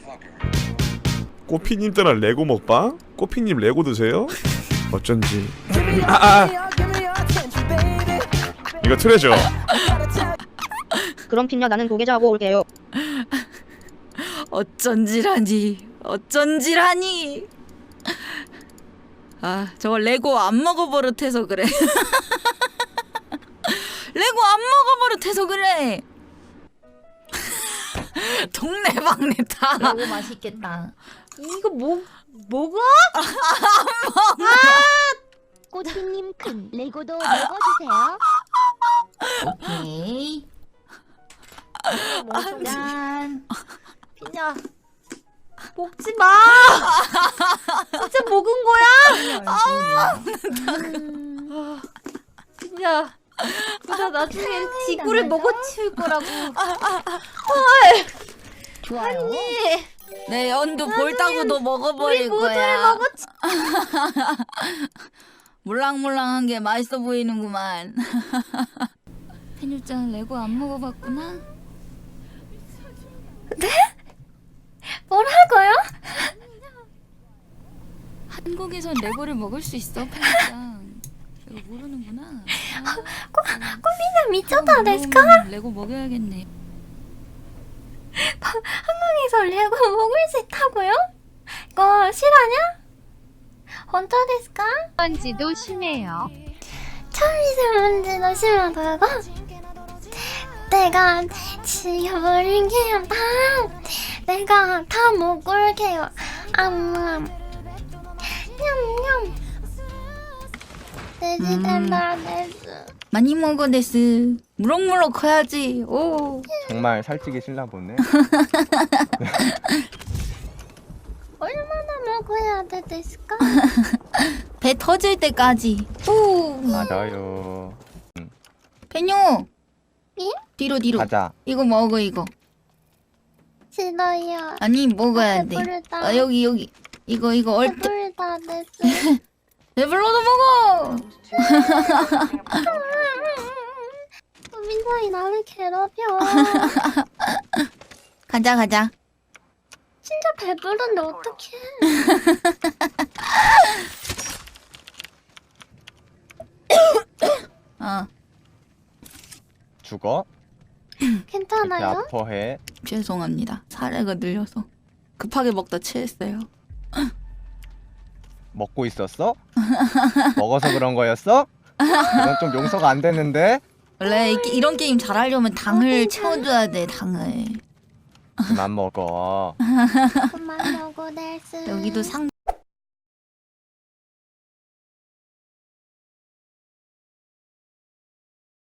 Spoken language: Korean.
꼬피님 따라 레고 먹방? 꼬피님 레고 드세요? 어쩐지. 이거 트레저. 그럼 핀녀 나는 고개자하고 올게요. 어쩐지라니 어쩐지라니. 아 저거 레고 안 먹어버릇해서 그래. 레고 안 먹어버릇해서 그래. 동네방네 다. 너무 맛있겠다. 이거 뭐가? 꼬치님 큰 레고도 먹어주세요. 오케이. 짠. 피냐. 먹지 마. 진짜 먹은 거야? 피냐. 피냐 나중엔 지구를 먹어치울 거라고. 좋아요. 내 연두 볼따구도 먹어버릴 우리 거야. 모두를 물랑물랑한 게 맛있어 보이는구만. 페뉴짱 레고 안 먹어봤구나? 뭐라고요? 한국에선 레고를 먹을 수 있어, 페뉴짱. 이거 모르는구나. 꼬미가 미쳤다 데스까? 그럼 레고 먹여야겠네. 한국에서 레고 먹을 수 있다고요? 이거 실화냐? 혼자 데스까? 먼지도 심해요. 천리세먼지도 심하다고? 내가 지워버릴게요. 내가 다 먹을게요. 냠냠. 돼지 된다 데스. 많이 먹어, 데스. 무럭무럭 커야지. 오. 정말 살찌기 싫나 보네. 얼마나 먹어야 돼 데스까? 배 터질 때까지. 오. 맞아요. 페뉴. 예? 뒤로. 가자. 이거 먹어, 이거. 싫어요. 아니, 먹어야 돼. 배부르다. 여기. 이거 얼뜻. 배부르다 데스. 배불러도 먹어. 민사이 나를 괴롭혀. 가자. 진짜 배부른데 어떡해. 죽어? 이렇게 괜찮아요? 아파해. 죄송합니다. 사례가 늘려서 급하게 먹다 체했어요. 먹고 있었어? 먹어서 그런 거였어? 이건 좀 용서가 안 되는데? 원래 이런 게임 잘하려면 당을 채워줘야 돼. 당을. 그만 먹어. 그만 먹어 데스. 여기도 상